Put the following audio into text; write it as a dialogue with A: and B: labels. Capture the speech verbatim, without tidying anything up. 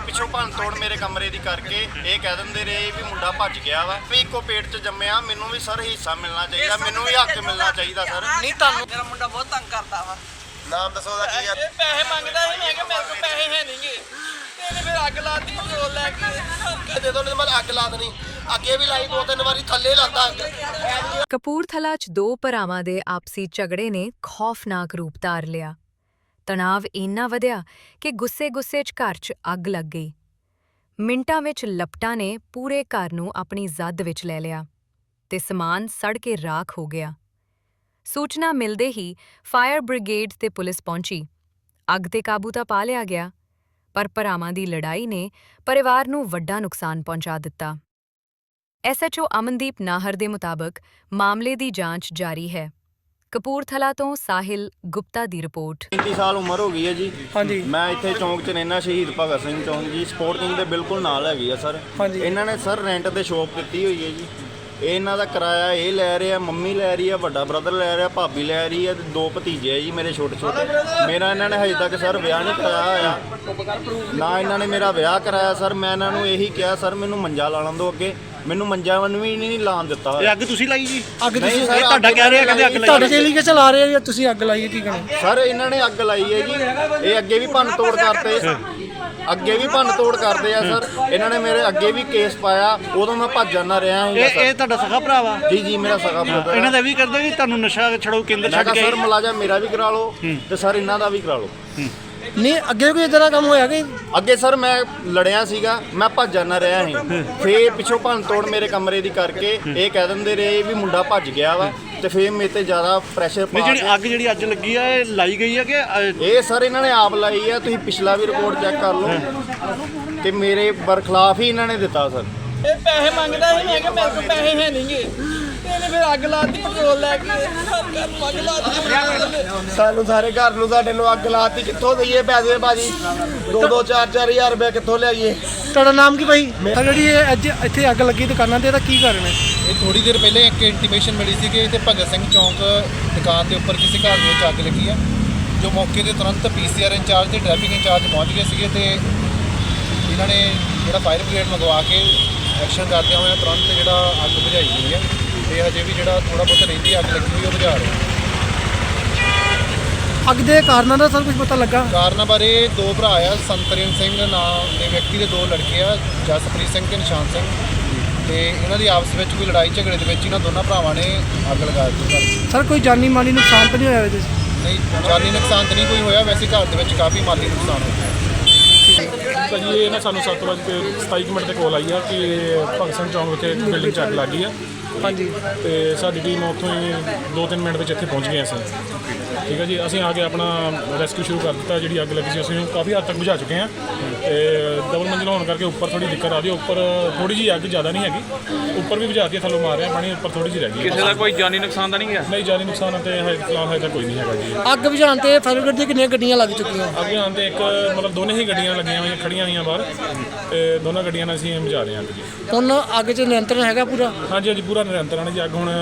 A: ਪਿੱਛੋਂ ਭੰਨ ਤੋੜ ਮੇਰੇ ਕਮਰੇ ਦੀ ਕਰਕੇ ਇਹ ਕਹਿ ਦਿੰਦੇ ਰਹੇ ਵੀ ਮੁੰਡਾ ਭੱਜ ਗਿਆ ਵਾ ਵੀ ਇੱਕੋ ਪੇਟ 'ਚ ਜੰਮਿਆ। ਮੈਨੂੰ ਵੀ ਸਰ ਹਿੱਸਾ ਮਿਲਣਾ ਚਾਹੀਦਾ, ਮੈਨੂੰ ਵੀ ਹੱਕ ਮਿਲਣਾ ਚਾਹੀਦਾ ਸਰ।
B: ਨਹੀਂ ਤੁਹਾਨੂੰ ਮੇਰਾ ਮੁੰਡਾ ਬਹੁਤ ਤੰਗ ਕਰਦਾ ਵਾ।
A: ਨਾਮ ਦੱਸੋ ਉਹਦਾ ਕੀ ਆ?
B: ਇਹ ਪੈਸੇ ਮੰਗਦਾ ਸੀ, ਮੈਂ ਕਿਹਾ ਮੇਰੇ ਕੋਲ ਪੈਸੇ ਹੈ ਨਹੀਂਗੇ। ਇਹਨੇ ਫਿਰ ਅੱਗ ਲਾਤੀ ਪੈਟਰੋਲ ਲੈ ਕੇ।
A: ਦੇ ਦੋ, ਮੈਂ ਅੱਗ ਲਾ ਦੇਣੀ। ਅੱਗੇ ਵੀ ਲਾਈ ਦੋ ਤਿੰਨ ਵਾਰੀ, ਥੱਲੇ ਲਾਤਾ ਅੱਗ।
C: ਕਪੂਰਥਲਾ 'ਚ ਦੋ ਭਰਾਵਾਂ ਦੇ ਆਪਸੀ ਝਗੜੇ ਨੇ ਖੌਫਨਾਕ ਰੂਪ ਧਾਰ ਲਿਆ। ਤਣਾਅ ਇੰਨਾ ਵਧਿਆ ਕਿ ਗੁੱਸੇ-ਗੁੱਸੇ 'ਚ ਘਰ 'ਚ ਅੱਗ ਲੱਗ ਗਈ। ਮਿੰਟਾਂ ਵਿੱਚ ਲਪਟਾਂ ਨੇ ਪੂਰੇ ਘਰ ਨੂੰ ਆਪਣੀ ਜ਼ੱਦ ਵਿੱਚ ਲੈ ਲਿਆ ਤੇ ਸਮਾਨ ਸੜ ਕੇ ਰਾਖ ਹੋ ਗਿਆ। ਸੂਚਨਾ ਮਿਲਦੇ ਹੀ ਫਾਇਰ ਬ੍ਰਿਗੇਡ ਤੇ ਪੁਲਿਸ ਪਹੁੰਚੀ। ਅੱਗ ਤੇ ਕਾਬੂ ਤਾਂ ਪਾ ਲਿਆ ਗਿਆ, ਪਰ ਭਰਾਵਾਂ ਦੀ ਲੜਾਈ ਨੇ ਪਰਿਵਾਰ ਨੂੰ ਵੱਡਾ ਨੁਕਸਾਨ ਪਹੁੰਚਾ ਦਿੱਤਾ। S H O Amandeep Nahar ਦੇ ਮੁਤਾਬਕ ਮਾਮਲੇ ਦੀ ਜਾਂਚ ਜਾਰੀ ਹੈ। ਕਪੂਰਥਲਾ ਤੋਂ ਸਾਹਿਲ ਗੁਪਤਾ ਦੀ ਰਿਪੋਰਟ।
A: ਪੈਂਤੀ ਸਾਲ ਉਮਰ ਹੋ ਗਈ ਹੈ ਜੀ।
D: ਹਾਂਜੀ।
A: ਮੈਂ ਇੱਥੇ ਚੌਂਕ 'ਚ ਰਹਿਣਾ, ਸ਼ਹੀਦ ਭਗਤ ਸਿੰਘ ਚੌਂਕ ਜੀ। ਸਪੋਰਟ ਕਿੰਗ ਦੇ ਬਿਲਕੁਲ ਨਾਲ ਹੈਗੀ ਆ ਸਰ।
D: ਹਾਂਜੀ।
A: ਇਹਨਾਂ ਨੇ ਸਰ ਰੈਂਟ ਤੇ ਸ਼ੋਪ ਦਿੱਤੀ ਹੋਈ ਹੈ ਜੀ। ਇਹ ਇਹਨਾਂ ਦਾ ਕਿਰਾਇਆ ਇਹ ਲੈ ਰਿਹਾ, ਮੰਮੀ ਲੈ ਰਹੀ ਆ, ਵੱਡਾ ਬ੍ਰਦਰ ਲੈ ਰਿਹਾ, ਭਾਬੀ ਲੈ ਰਹੀ ਹੈ ਤੇ ਦੋ ਭਤੀਜੇ ਆ ਜੀ ਮੇਰੇ ਛੋਟੇ ਛੋਟੇ। ਮੇਰਾ ਇਹਨਾਂ ਨੇ ਹਜੇ ਤੱਕ ਸਰ ਵਿਆਹ ਨਹੀਂ ਕਰਾਇਆ ਹੋਇਆ, ਨਾ ਇਹਨਾਂ ਨੇ ਮੇਰਾ ਵਿਆਹ ਕਰਾਇਆ ਸਰ। ਮੈਂ ਇਹਨਾਂ ਨੂੰ ਇਹੀ ਕਿਹਾ ਸਰ ਮੈਨੂੰ ਮੰਜਾ ਲਾਣ ਦਿਓ ਅੱਗੇ, ਮੈਨੂੰ ਮੰਜਾ ਵਨ ਵੀ ਨਹੀਂ ਲਾਣ ਦਿੱਤਾ।
E: ਇਹ ਅੱਗ ਤੁਸੀਂ ਲਾਈ ਜੀ?
D: ਅੱਗ ਤੁਸੀਂ
A: ਨਹੀਂ ਸਰ,
E: ਤੁਹਾਡਾ ਕਹਿ ਰਿਹਾ ਕਹਿੰਦੇ ਅੱਗ ਲਾਈ।
D: ਤੁਹਾਡੇ ਚੇਲੀ ਕੇ ਚਲਾ ਰਹੇ ਆ ਜਾਂ ਤੁਸੀਂ ਅੱਗ ਲਾਈ ਹੈ? ਕੀ ਕਹਿਣਾ
A: ਸਰ ਇਹਨਾਂ ਨੇ ਅੱਗ ਲਾਈ ਹੈ ਜੀ। ਇਹ ਅੱਗੇ ਵੀ ਭੰਨ ਤੋੜ ਕਰਦੇ, ਅੱਗੇ ਵੀ ਭੰਨ ਤੋੜ ਕਰਦੇ ਆ ਸਰ। ਇਹਨਾਂ ਨੇ ਮੇਰੇ ਅੱਗੇ ਵੀ ਕੇਸ ਪਾਇਆ, ਉਦੋਂ ਮੈਂ ਭੱਜ ਜਾਂਦਾ ਰਿਹਾ ਹਾਂ
E: ਇਹ ਇਹ ਤੁਹਾਡਾ ਸਗਾ ਭਰਾ ਵਾ?
A: ਜੀ ਜੀ ਮੇਰਾ ਸਗਾ ਬ੍ਰਦਰ।
E: ਇਹਨਾਂ ਦਾ ਵੀ ਕਰਦੇ ਕਿ ਤੁਹਾਨੂੰ ਨਸ਼ਾ ਛੜਾਓ ਕੇਂਦਰ
A: ਮੈਂ
E: ਛੱਡ
A: ਕਿਹਾ
E: ਕੇ?
A: ਸਰ ਮੁਲਾਜ਼ਮ ਮੇਰਾ ਵੀ ਕਰਾ ਲਓ ਤੇ ਸਰ ਇਹਨਾਂ ਦਾ ਵੀ ਕਰਾ ਲਓ।
D: ਨਹੀਂ ਅੱਗੇ ਕੋਈ ਇਦਾਂ ਦਾ ਕੰਮ ਹੋਇਆ ਕਿ
A: ਅੱਗੇ ਸਰ ਮੈਂ ਲੜਿਆ ਸੀਗਾ, ਮੈਂ ਭੱਜ ਜਾਂਦਾ ਰਿਹਾ ਸੀ। ਫੇਰ ਪਿੱਛੋਂ ਭੰਨ ਤੋੜ ਮੇਰੇ ਕਮਰੇ ਦੀ ਕਰਕੇ ਇਹ ਕਹਿ ਦਿੰਦੇ ਰਹੇ ਵੀ ਮੁੰਡਾ ਭੱਜ ਗਿਆ ਵਾ ਤੇ ਫੇਰ ਮੇਰੇ ਤੇ ਜ਼ਿਆਦਾ ਪ੍ਰੈਸ਼ਰ
E: ਨਹੀਂ,
A: ਪਾ
E: ਜਿਹੜੀ
A: ਕੇ
E: ਅੱਗ ਜਿਹੜੀ ਅੱਜ ਲੱਗੀ ਆ ਇਹ ਲਾਈ ਗਈ ਆ ਕਿ ਅ,
A: ਇਹ ਸਰ ਇਹਨਾਂ ਨੇ ਆਪ ਲਾਈ ਆ। ਤੁਸੀਂ ਪਿਛਲਾ ਵੀ ਰਿਪੋਰਟ ਚੈੱਕ ਕਰ ਲਓ ਕਿ ਮੇਰੇ ਬਰਖਲਾਫ ਹੀ ਇਹਨਾਂ ਨੇ ਦਿੱਤਾ ਸਰ।
B: ਇਹ ਪੈਸੇ ਮੰਗਦਾ ਸੀ, ਮੈਂ ਕਿਹਾ ਮੇਰੇ ਕੋਲ ਪੈਸੇ ਹੈ ਨਹੀਂਗੇ। ਇਹਨੇ ਫਿਰ ਅੱਗ ਲਾਤੀ ਪੈਟਰੋਲ ਲੈ ਕੇ। ਅੱਗ ਲਾਤੀ
A: ਸਾਨੂੰ ਸਾਰੇ ਘਰ ਨੂੰ ਸਾਡੇ ਨੂੰ ਅੱਗ ਲਾਤੀ। ਕਿੱਥੋਂ ਦਈਏ ਪੈਸੇ ਭਾਜੀ? ਦੋ ਦੋ ਚਾਰ ਚਾਰ ਹਜ਼ਾਰ ਰੁਪਏ ਕਿੱਥੋਂ ਲਿਆਈਏ?
D: ਤੁਹਾਡਾ ਨਾਮ ਕੀ ਭਾਈ? ਤਾਂ ਜਿਹੜੀ ਇਹ ਅੱਜ ਇੱਥੇ ਅੱਗ ਲੱਗੀ ਦੁਕਾਨਾਂ ਤੇ, ਇਹਦਾ ਕੀ ਕਾਰਨ ਹੈ?
F: ਇਹ ਥੋੜੀ ਦੇਰ ਪਹਿਲੇ ਇੱਕ ਇੰਟੀਮੇਸ਼ਨ ਮਿਲੀ ਸੀ ਕਿ ਇੱਥੇ ਭਗਤ ਸਿੰਘ ਚੌਂਕ ਦੁਕਾਨ ਦੇ ਉੱਪਰ ਕਿਸੇ ਘਰ ਦੇ ਵਿੱਚ ਅੱਗ ਲੱਗੀ ਆ। ਜੋ ਮੌਕੇ ਤੇ ਤੁਰੰਤ ਪੀ ਸੀ ਆਰ ਇੰਚਾਰਜ ਤੇ ਟ੍ਰੈਫਿਕ ਇੰਚਾਰਜ ਪਹੁੰਚ ਗਏ ਸੀਗੇ ਤੇ ਇਹਨਾਂ ਨੇ ਜਿਹੜਾ ਫਾਇਰ ਬ੍ਰਿਗੇਡ ਮੰਗਵਾ ਕੇ ਐਕਸ਼ਨ ਕਰਦਿਆਂ ਹੋਇਆ ਤੁਰੰਤ ਜਿਹੜਾ ਅੱਗ ਬੁਝਾਈ ਗਈ ਹੈ ਤੇ ਹਜੇ ਵੀ ਜਿਹੜਾ ਥੋੜਾ ਬਹੁਤ ਰਹਿੰਦੀ ਅੱਗ ਲੱਗੀ ਹੋਈ ਉਹ ਬੁਝਾ ਰਹੇ।
D: ਅੱਗ ਦੇ ਕਾਰਨਾਂ ਦਾ ਸਰ ਕੁਝ ਪਤਾ ਲੱਗਾ?
F: ਕਾਰਨਾਂ ਬਾਰੇ ਦੋ ਭਰਾ ਆ, ਸੰਤਰਨ ਸਿੰਘ ਨਾਮ ਦੇ ਵਿਅਕਤੀ ਦੇ ਦੋ ਲੜਕੇ ਆ, ਜਸਪ੍ਰੀਤ ਸਿੰਘ ਤੇ ਨਿਸ਼ਾਨ ਸਿੰਘ, ਤੇ ਇਹਨਾਂ ਦੀ ਆਪਸ ਵਿੱਚ ਕੋਈ ਲੜਾਈ ਝਗੜੇ ਦੇ ਵਿੱਚ ਇਹਨਾਂ ਦੋਨਾਂ ਭਰਾਵਾਂ ਨੇ ਅੱਗ ਲਗਾ ਦਿੱਤੀ।
D: ਸਰ ਕੋਈ ਜਾਨੀ ਮਾਲੀ ਨੁਕਸਾਨ ਤਾਂ ਨਹੀਂ ਹੋਇਆ ਇਹਦੇ 'ਚ?
F: ਨਹੀਂ, ਜਾਨੀ ਨੁਕਸਾਨ ਤਾਂ ਨਹੀਂ ਕੋਈ ਹੋਇਆ, ਵੈਸੇ ਘਰ ਦੇ ਵਿੱਚ ਕਾਫੀ ਮਾਲੀ ਨੁਕਸਾਨ ਹੋਇਆ।
G: ਭਾਜੀ ਇਹ ਨਾ ਸਾਨੂੰ ਸੱਤ ਵਜੇ ਕੇ ਸਤਾਈ ਕੁ ਮਿੰਟ ਤੇ ਕੋਲ ਆਈ ਆ ਕਿ ਭਗਤ ਸਿੰਘ ਚੌਂਕ ਵਿਖੇ ਬਿਲਡਿੰਗ 'ਚ ਅੱਗ ਲੱਗ ਗਈ ਆ।
D: ਹਾਂਜੀ।
G: ਤੇ ਸਾਡੀ ਟੀਮ ਉੱਥੋਂ ਹੀ ਦੋ ਤਿੰਨ ਮਿੰਟ ਵਿੱਚ ਇੱਥੇ ਪਹੁੰਚ ਗਏ ਅਸੀਂ। ਠੀਕ ਹੈ ਜੀ, ਅਸੀਂ ਆ ਕੇ ਆਪਣਾ ਰੈਸਕਿਊ ਸ਼ੁਰੂ ਕਰ ਦਿੱਤਾ। ਜਿਹੜੀ ਅੱਗ ਲੱਗੀ ਸੀ ਅਸੀਂ ਕਾਫੀ ਹੱਦ ਤੱਕ ਬੁਝਾ ਚੁੱਕੇ ਹਾਂ ਤੇ ਡਬਲ ਮੰਜ਼ਿਲ ਹੋਣ ਕਰਕੇ ਉੱਪਰ ਥੋੜੀ ਦਿੱਕਤ ਆ ਰਹੀ ਹੈ। ਉੱਪਰ ਥੋੜੀ ਜਿਹੀ ਅੱਗ ਜ਼ਿਆਦਾ ਨਹੀਂ ਹੈਗੀ, ਉੱਪਰ ਵੀ ਬੁਝਾਤੀ ਥੱਲੋਂ ਮਾਰ ਰਿਹਾ ਪਾਣੀ, ਉੱਪਰ ਥੋੜੀ ਜਿਹੀ ਰਹਿ ਗਈ।
E: ਕਿਸੇ ਦਾ ਕੋਈ ਜਾਨੀ ਨੁਕਸਾਨ ਤਾਂ ਨਹੀਂ ਗਿਆ?
G: ਨਹੀਂ, ਜਾਨੀ ਨੁਕਸਾਨ ਤੇ ਹਜੇ ਫਿਲਹਾਲ ਹਜੇ ਤੱਕ ਕੋਈ ਨਹੀਂ ਹੈਗਾ ਜੀ।
D: ਅੱਗ ਬੁਝਾਉਣ ਤੇ ਫਾਇਰ ਬ੍ਰਿਗੇਡ ਦੀਆਂ ਕਿੰਨੀਆਂ ਗੱਡੀਆਂ ਲੱਗ ਚੁੱਕੀਆਂ?
G: ਅੱਗੇ ਆਉਣ ਤੇ ਇੱਕ ਮਤਲਬ ਦੋਨੇ ਹੀ ਗੱਡੀਆਂ ਲੱਗੀਆਂ ਹੋਈਆਂ, ਖੜੀਆਂ ਹੋਈਆਂ ਬਾਹਰ, ਤੇ ਦੋਨਾਂ ਗੱਡੀਆਂ ਨਾਲ ਅਸੀਂ ਬੁਝਾ ਰਹੇ ਹਾਂ ਅੱਗ ਜੀ।
D: ਹੁਣ ਅੱਗ 'ਚ ਨਿਯੰਤਰਣ ਹੈਗਾ ਪੂਰਾ?
G: ਹਾਂਜੀ ਹਾਂਜੀ, ਪੂਰਾ ਨਿਰੰਤਰ ਹੈ ਜੀ। ਅੱਗ ਹੁਣ